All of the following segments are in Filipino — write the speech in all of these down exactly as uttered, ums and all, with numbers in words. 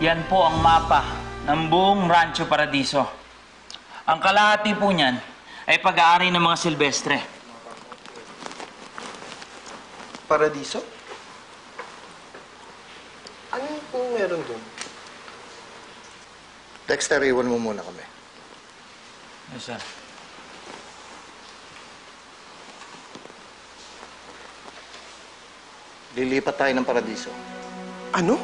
Yan po ang mapa ng buong Rancho Paradiso. Ang kalahati po niyan ay pag-aari ng mga Silvestre. Paradiso? Ano po meron doon? Dexter, iwan mo muna kami. Yes, sir. Lilipat tayo ng Paradiso. Ano?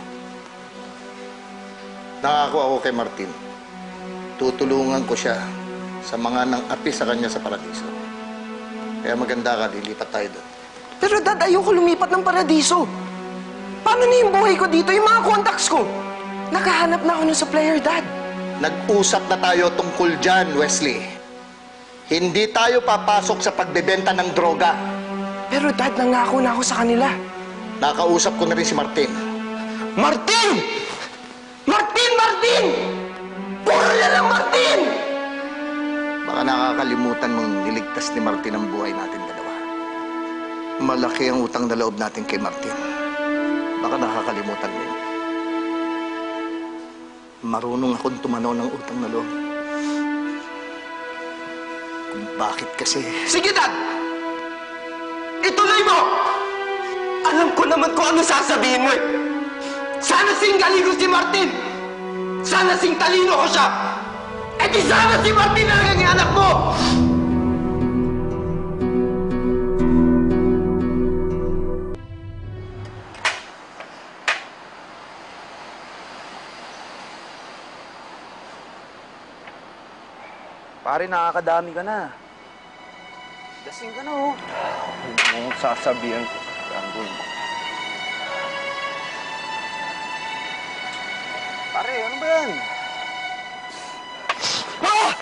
Nangako ako kay Martin. Tutulungan ko siya sa mga nang api sa kanya sa Paradiso. Kaya maganda ka, lilipat tayo doon. Pero Dad, ayoko lumipat ng Paradiso. Paano na yung buhay ko dito? Yung mga contacts ko? Nakahanap na ako ng supplier, Dad. Nag-usap na tayo tungkol dyan, Wesley. Hindi tayo papasok sa pagbebenta ng droga. Pero Dad, nangako na ako sa kanila. Nakausap ko na rin si Martin. Martin! Martin! Martin! Puro na lang Martin! Baka nakakalimutan mong niligtas ni Martin ang buhay natin dalawa. Malaki ang utang na loob natin kay Martin. Baka nakakalimutan mo yun. Marunong akong tumanaw ng utang na loob. Kung bakit kasi... Sige, Dad! Ituloy mo! Alam ko naman kung ano sasabihin mo eh. Sana sing galino si Martin! Sana sing talino ko siya! Eh di sana si Martin na lang ang anak mo! Pare, nakakadami ka na. Lasing ka na, oh. Huwag mong sasabihan ko. Gagawin mo. Pare, ano ba yan? Ah!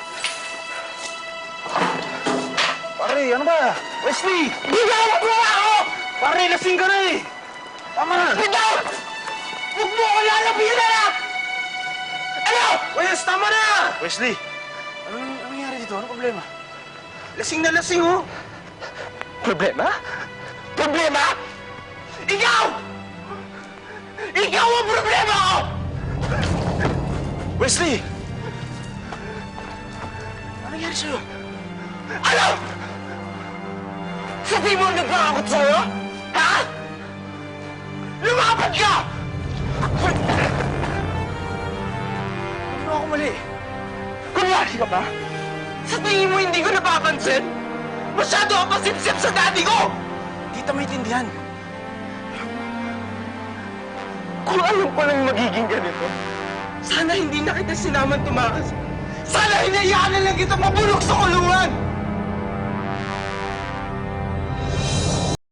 Pare, ano ba? Wesley! Bigawag mo ako! Pare, lasing ka na eh! Tama na! Bitaw! Huwag mo ako lalapitan na! Ano? Wes, tama na! Wesley! Ano ano nangyari dito? Ano problema? Lasing na lasing, oh! Problema? Problema? Ikaw! Ikaw ang problema ko! Wesley! Ano nangyari sa'yo? Ano? Sabi mo nagpangakot sa'yo? Ha? Lumapad ka! Ano ako mali? Kunwari ka ba? Sa tingin mo hindi ko napapansin? Masyado ang pasipsip sa daddy ko! Di kita maintindihan. Kung alam ko lang magiging ganito, sana hindi na kita sinaman tumakas. Sana hinayaan na lang kita mabulok sa kulungan!